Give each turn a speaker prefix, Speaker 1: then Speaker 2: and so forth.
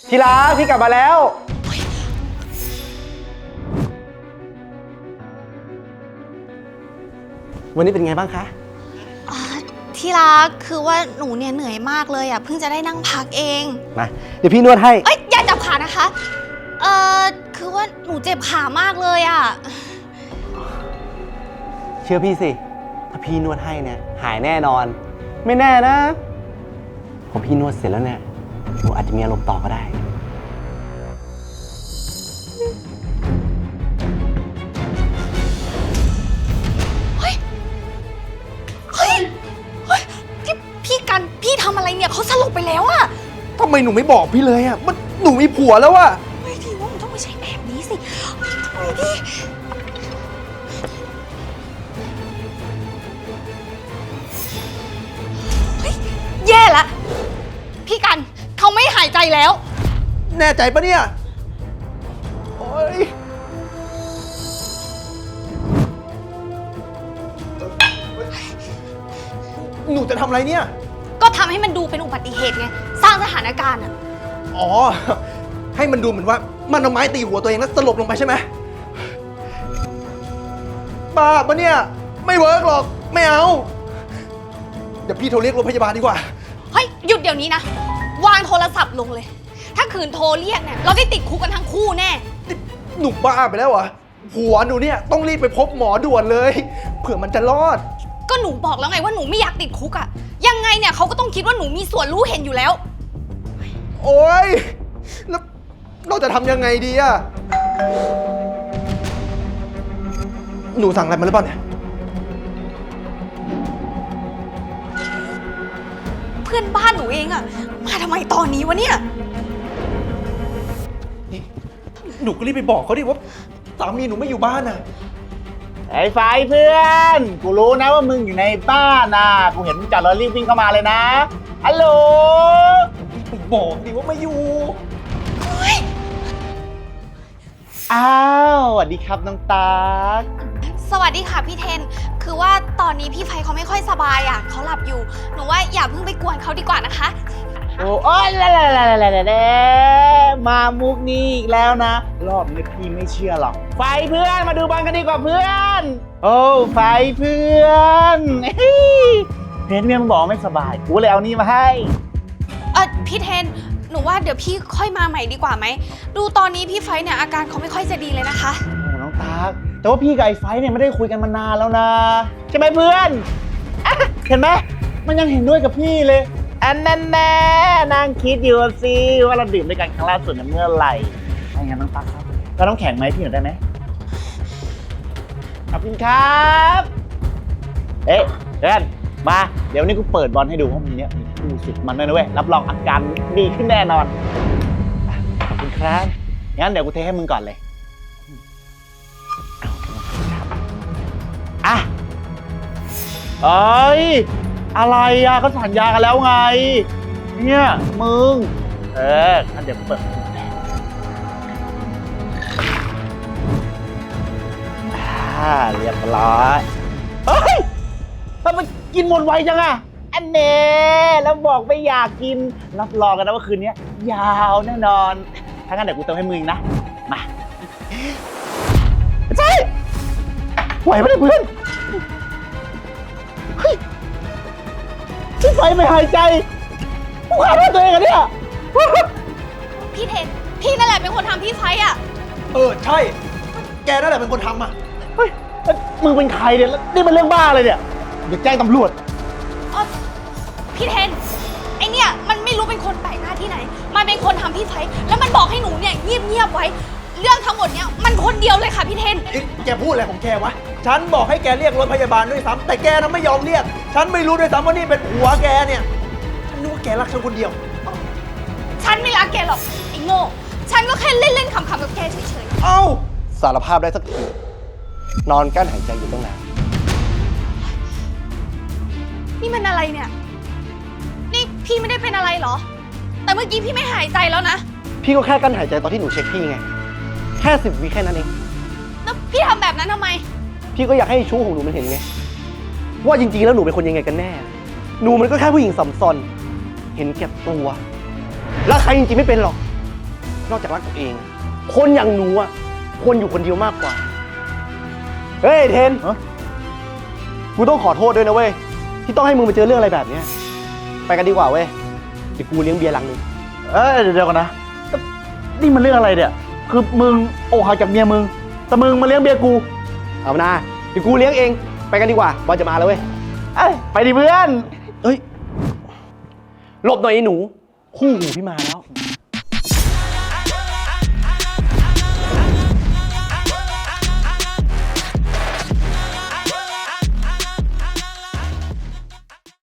Speaker 1: ทีรักพี่กลับมาแล้ววันนี้เป็นไงบ้างคะ
Speaker 2: ที่รักคือว่าหนูเนี่ยเหนื่อยมากเลยอ่ะเพิ่งจะได้นั่งพักเอง
Speaker 1: มาเดี๋ยวพี่นวดให้
Speaker 2: อย่าจับขานะคะคือว่าหนูเจ็บขามากเลยอ่ะ
Speaker 1: เชื่อพี่สิถ้าพี่นวดให้เนี่ยหายแน่นอนไม่แน่นะพอพี่นวดเสร็จแล้วเนี่ยหนูอาจจะมีอารมณ์ต่อก็ได้
Speaker 2: พี่กันพี่ทำอะไรเนี่ยเขาสลบไปแล้วอะ
Speaker 1: ทำไมหนูไม่บอกพี่เลยอะมันหนูมีผัวแล้วอะ
Speaker 2: ทีว่ามันต้องไม่ใช่แบบนี้สิทำไมดิแย่ละพี่กันเขาไม่หายใจแล้ว
Speaker 1: แน่ใจปะเนี่ยโอ๊ยหนูจะทำอะไรเนี่ย
Speaker 2: ก็ทำให้มันดูเป็นอุบัติเหตุไงสร้างสถานการณ์อ่ะ
Speaker 1: อ๋อให้มันดูเหมือนว่ามันเอาไม้ตีหัวตัวเองแล้วสลบลงไปใช่ไหมบ้าปะเนี่ยไม่เวิร์กหรอกไม่เอาเดี๋ยวพี่โทรเรียกรถพยาบาลดีกว่า
Speaker 2: เฮ้ยหยุดเดี๋ยวนี้นะวางโทรศัพท์ลงเลยถ้าขืนโทรเรียกเนี่ยเราได้ติดคุกกันทั้งคู่แน่
Speaker 1: หนูบ้าไปแล้วเหรอผัวหนูเนี่ยต้องรีบไปพบหมอด่วนเลยเผื่อมันจะรอด
Speaker 2: ก็หนูบอกแล้วไงว่าหนูไม่อยากติดคุกอะยังไงเนี่ยเขาก็ต้องคิดว่าหนูมีส่วนรู้เห็นอยู่แล้ว
Speaker 1: โอ๊ยแล้วเราจะทำยังไงดีอะหนูสั่งอะไรมาหรือเปล่าเนี่ย
Speaker 2: เพื่อนบ้านหนูเองอะมาทำไมตอนนี้วะเนี่ย
Speaker 1: นี่หนูก็รีบไปบอกเขาดิว่าสามีหนูไม่อยู่บ้านน่ะ
Speaker 3: ไอ้ไฟเพื่อนกูรู้นะว่ามึงอยู่ในบ้านนะกูเห็นมึงจอดรถรีบวิ่งเข้ามาเลยนะฮัลโหล
Speaker 1: ไปบอกดิว่าไม่อยู่
Speaker 3: อ้าวสวัสดีครับน้องตา
Speaker 2: สวัสดีค่ะพี่เทนคือว่าตอนนี้พี่ไฟเขาไม่ค่อยสบายอ่ะเขาหลับอยู่หนูว่าอย่าเพิ่งไปกวนเขาดีกว่านะคะ
Speaker 3: โอ้ยมามุกนี้อีกแล้วนะรอบนี้พี่ไม่เชื่อหรอกไฟเพื่อนมาดูบอลกันดีกว่าเพื่อนโอ้ไฟเพื่อนเห็นเมียมึงบอกไม่สบายกูเลยเอานี่มาให้
Speaker 2: พี่เทนหนูว่าเดี๋ยวพี่ค่อยมาใหม่ดีกว่าไหมดูตอนนี้พี่ไฟเนี่ยอาการเขาไม่ค่อยจะดีเลยนะคะ
Speaker 3: โอ้น้องตาแต่ว่าพี่กับไอ้ไฟเนี่ยไม่ได้คุยกันมานานแล้วนะใช่ไหมเพื่อนเห็นไหมมันยังเห็นด้วยกับพี่เลยอันนั้นแน่นางคิดอยู่สิว่าเราดื่มด้วยกันครั้งล่าสุดเมื่อไหร่ไม่งั้นน้องตั๊กครับเราต้องแข่งไหมพี่หน่อยได้ไหมขอบคุณครับเอ๊ะเพื่อนมาเดี๋ยวนี้กูเปิดบอลให้ดูเพราะมันเนี้ยมีคู่สุดมันด้วยนะเว้ยรับรองอาการดีขึ้นแน่นอนขอบคุณครับงั้นเดี๋ยวกูเทให้มึงก่อนเลยอ่ะเอ้ยอะไรอ่ะก็สัญญากันแล้วไงเนี่ยมึงงั้นเดี๋ยวเปิดเรียบร้อยเฮ้ยทำไมกินหมดไวจังอ่ะอันเน่แล้วบอกไม่อยากกินรับรองกันนะว่าคืนนี้ยาวแน่นอนถ้างั้นเดี๋ยวกูเติมให้มึงนะมาใช่ไหวไหมเพื่อนเฮ้ยที่ไฟไม่หายใจกูฆ่าเพื่อนตัวเองอะเนี่ย
Speaker 2: พี่เทนพี่นั่นแหละเป็นคนทำพี่ไฟอ่ะ
Speaker 1: ใช่แกนั่นแหละเป็นคนทำอ่ะ
Speaker 3: เฮ้ยมึงเป็นใครเนี่ยนี่มันเรื่องบ้าเลยเนี่ยเดี๋ยวแจ้งตำรวจ
Speaker 2: พี่เทนไอเนี่ยมันไม่รู้เป็นคนแปลกหน้าที่ไหนมันเป็นคนทำพี่ไฟแล้วมันบอกให้หนูเนี่ยเงียบไว้เรื่องทั้งหมดเนี่ยมันคนเดียวเลยค่ะพี่เทน
Speaker 1: แกพูดอะไรของแกวะฉันบอกให้แกเรียกรถพยาบาลด้วยซ้ำแต่แกน่ะไม่ยอมเรียกฉันไม่รู้ด้วยซ้ำว่านี่เป็นผัวแกเนี่ยฉันนึกว่าแกรักฉันคนเดียว
Speaker 2: ฉันไม่รักแกหรอกไอ้โง่ฉันก็แค่เล่นๆขำๆกับแกเฉย
Speaker 1: ๆเอ้าสารภาพได้สักทีนอนกั้นหายใจอยู่ตั้งนาน
Speaker 2: นี่มันอะไรเนี่ยนี่พี่ไม่ได้เป็นอะไรเหรอแต่เมื่อกี้พี่ไม่หายใจแล้วนะ
Speaker 1: พี่ก็แค่กั้นหายใจตอนที่หนูเช็คพี่ไงแค่10 วิแค่นั้นเอง
Speaker 2: แล้วพี่ทำแบบนั้นทำไม
Speaker 1: พี่ก็อยากให้ชู้ของหนูมันเห็นไงว่าจริงๆแล้วหนูเป็นคนยังไงกันแน่หนูมันก็แค่ผู้หญิงสัมซอนเห็นแก่ตัวแล้วใครจริงๆไม่เป็นหรอกนอกจากรักตัวเอง คนอย่างหนูอ่ะควรอยู่คนเดียวมากกว่า เฮ้ยเทน
Speaker 3: ฮะ
Speaker 1: กูต้องขอโทษด้วยนะเว้ย ที่ต้องให้มึงไปเจอเรื่องอะไรแบบเนี้ยไปกันดีกว่าเว้ย เดี๋ยวกูเลี้ยงเบียร์ลังนึง
Speaker 3: เดี๋ยวก่อนนะนี่มันเรื่องอะไรเนี่ย คือมึงอกหักจากเมียมึง แต่มึงมาเลี้ยงเบียร์กู
Speaker 1: เอานะเดี๋ยวกูเลี้ยงเอง ไปกันดีกว่าบอลจะมาแล้วเว้ย
Speaker 3: เอ้ยไปดิเพื่อน
Speaker 1: เอ้ย หลบหน่อยไอ้หนู คู่หูพี่มาแล้ว